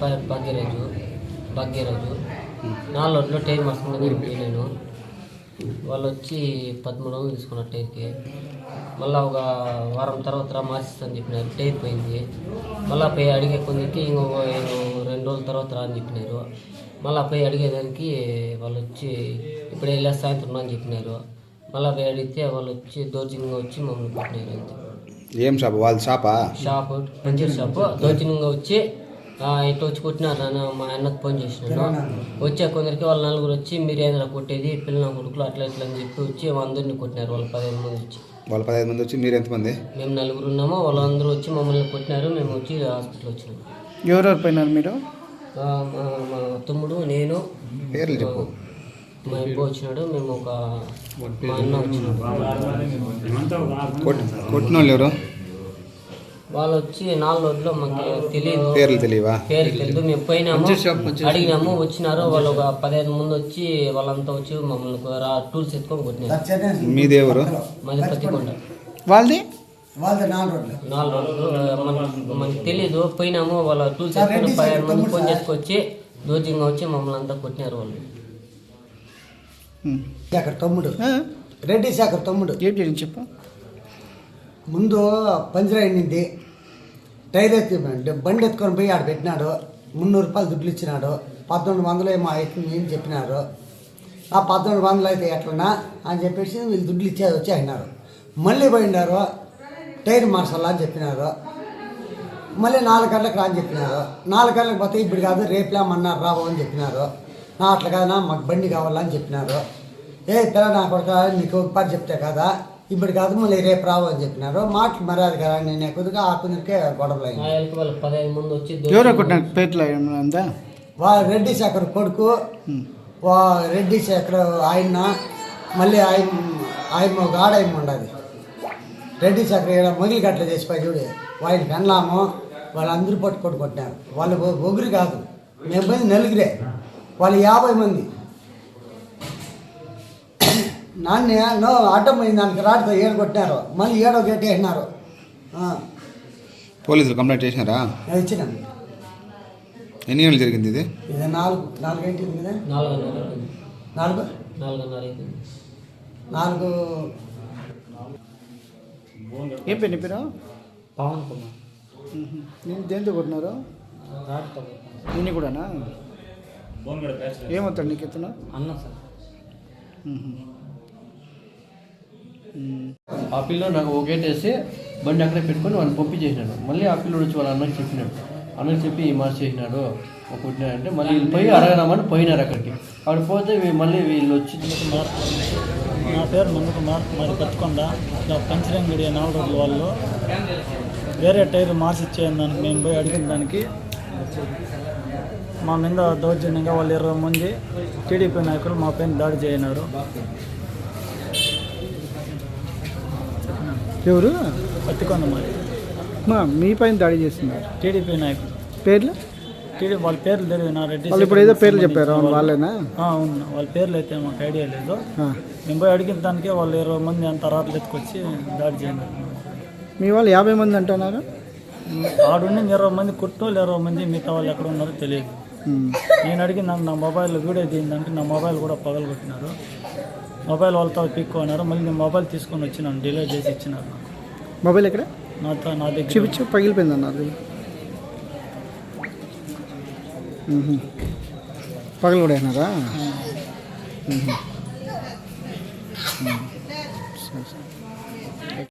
భాగ్యరాజు 4 రోడ్లో టైర్ మార్చుకుని నేను వాళ్ళు వచ్చి 1300 తీసుకున్నారు టైర్కి. మళ్ళీ ఒక వారం తర్వాత మార్చిస్తాను చెప్పినారు. టైర్ పోయింది. మళ్ళీ పోయి అడిగే కొందరికి ఇంకొక 2 రోజుల తర్వాత రా అని చెప్పినారు. మళ్ళీ పోయి అడిగేదానికి వాళ్ళు వచ్చి ఇప్పుడే వెళ్ళా సాయంత్రం అని చెప్పినారు. మళ్ళీ పోయి అడిగితే వాళ్ళు వచ్చి దౌర్జన్యంగా వచ్చి మమ్మల్ని కొట్టినారు. అంతే. ఏం షాప్? వాళ్ళ షాపు పంచర్ షాపు. దౌర్జన్యంగా వచ్చి ఇట్లా వచ్చి కొట్టినారు. నాన్న మా అన్నకు ఫోన్ చేసినాను. వచ్చే కొందరికి వాళ్ళ 4 వచ్చి మీరు ఏదైనా కొట్టేది పిల్లల కొడుకులు అట్లా ఇట్లా అని చెప్పి వచ్చి అందరినీ కొట్టినారు. వాళ్ళు 15 మంది వచ్చి. వాళ్ళు 15 మంది వచ్చి మీరు ఎంతమంది? మేము 4 ఉన్నాము. వాళ్ళందరూ వచ్చి మమ్మల్ని కొట్టినారు. మేము వచ్చి హాస్పిటల్ వచ్చినాము. ఎవరెవరు పోయినారు మీరు? మా తమ్ముడు, నేను, పేర్లు చెప్పు. మా అబ్బా వచ్చినాడు. మేము మా అన్న వచ్చినాడు. కొట్టిన వాళ్ళు ఎవరు? వాళ్ళు వచ్చి 4 రోడ్లో మాకు తెలియదు. పేర్లు తెలియవా? పేర్లు తెలియదు. మేము పోయినాము, అడిగినాము, వచ్చినారు. వాళ్ళు ఒక 15 మంది వచ్చి వాళ్ళంతా వచ్చి మమ్మల్ని టూల్స్ ఎత్తుకొని కొట్టినారు. మీది ఎవరు? మాది పత్తికొండ. వాళ్ళది 4 రోడ్లు మనకు తెలియదు. పోయినాము, వాళ్ళ టూల్స్ ఎత్తుకొని 15 మంది ఫోన్ చేసుకొచ్చి దోజంగా వచ్చి మమ్మల్ని అంతా కొట్టినారు. వాళ్ళు తమ్ముడు రెడ్డి శేఖర్ తమ్ముడు. ఏం చేయండి చెప్పు. ముందు పంచర్ అయింది. టైర్ ఎత్తి బండి ఎత్తుకొని పోయి ఆడ పెట్టినాడు. 300 రూపాయలు దుడ్లు ఇచ్చినాడు. 1100 ఏమో అవుతుంది అని చెప్పినారు. ఆ 1100 అయితే ఎట్లనా అని చెప్పేసి వీళ్ళు దుడ్లు ఇచ్చేది వచ్చి అయినారు. మళ్ళీ పోయినారు. టైర్ మార్చాలా అని చెప్పినారు. మళ్ళీ 4 గంటలకు రా అని చెప్పినారు. 4 గంటలకు పోతే ఇప్పుడు కాదు రేపులేమన్నారు రావు అని చెప్పినారు. అట్లా కాదన్నా మాకు బండి కావాలని చెప్పినారు. పిల్ల నా కొడుక నీకు ఒకసారి చెప్తే కదా ఇప్పుడు కాదు మళ్ళీ రేపు రావు అని చెప్పినారు. మాటలు మర్యాద కదా నేను కొద్దిగా ఆ కొందరికే గొడవలు అయింది. ఎవరో కొట్టినారు పేర్లు అంతా? రెడ్డి శేఖర్ కొడుకు, రెడ్డి శేఖర్ ఆయన, మళ్ళీ ఆయన ఒక ఆడాయమ ఉండదు. రెడ్డి శేఖర్ ఇక్కడ మొగిలి గట్ల చేసిపోయి చూడు. వాళ్ళని పెళ్ళాము వాళ్ళందరూ కొట్టినారు. వాళ్ళు ఒగురు కాదు, మేము పోయింది 4 వాళ్ళు 50 మంది. నాన్న అడ్డం పోయింది దానికి రాడితో 7 కొట్టినారు. మళ్ళీ 7వ గేట్ వేసినారు. పోలీసులు కంప్లైంట్ చేసినారా? ఇచ్చినాం. ఎన్ని గంటలు జరిగింది ఇది? 4 గంటలు కదా. 4 ఏం పేరు నీ పేరు? పవన్ కుమార్. నేను దేంతో కొట్టినారు? నేను కూడానా? ఏమవుతాడు నీకు ఎత్తున? అన్న సార్. ఆ పిల్లలు నాకు ఒక గేట్ వేసి బండి అక్కడే పెట్టుకొని వాళ్ళని పంపించేసినాడు. మళ్ళీ ఆ పిల్లడు వచ్చి వాళ్ళ అన్నకి చెప్పినాడు. అన్నకి చెప్పి ఈ మార్చి చేసినాడు కొట్టినాడంటే మళ్ళీ వీళ్ళు పోయి అడగదామని పోయినారు అక్కడికి. అక్కడ పోతే మళ్ళీ వీళ్ళు వచ్చి నా పేరు నందకుమార్, మరి పత్తికొండ. ఇట్లా పంచరంగిడి 4 రోడ్ల వాళ్ళు వేరే టైర్ మార్చి ఇచ్చేదానికి మేము పోయి అడిగిన దానికి మా మీద దౌర్జన్యంగా వాళ్ళు 20 మంది టీడీపీ నాయకులు మా పైన దాడి చేయనారు. ఎవరు? పత్తికొండ మరి మీ పైన దాడి చేస్తున్నారు టీడీపీ నాయకులు. పేర్లు? వాళ్ళ పేర్లు తెలియదు. నా రెడ్డి వాళ్ళు ఇప్పుడు ఏదో పేర్లు చెప్పారు వాళ్ళేనా? అవును, వాళ్ళ పేర్లు అయితే మాకు ఐడియా లేదు. మేము పోయి అడిగిన దానికే వాళ్ళు 20 మంది అంత రాట్లు ఎత్తుకొచ్చి దాడి చేయనారు. మీ వాళ్ళు 50 మంది అంటున్నారు. ఆడుండి 20 మంది కొట్టోళ్ళు 20 మంది, మిగతా వాళ్ళు ఎక్కడ ఉన్నారో తెలియదు. నేను అడిగిన నా మొబైల్ వీడియో తీయడానికి నా మొబైల్ కూడా పగలగొట్టినారు. మొబైల్ వాళ్ళతో పిక్కున్నారు. మళ్ళీ నేను మొబైల్ తీసుకొని వచ్చినాను, డిలీట్ చేసి ఇచ్చినారు. మొబైల్ ఎక్కడ? నా దగ్గర చూపించు. పగిలిపోయింది అన్నారు. పగలు కూడా అయినారా?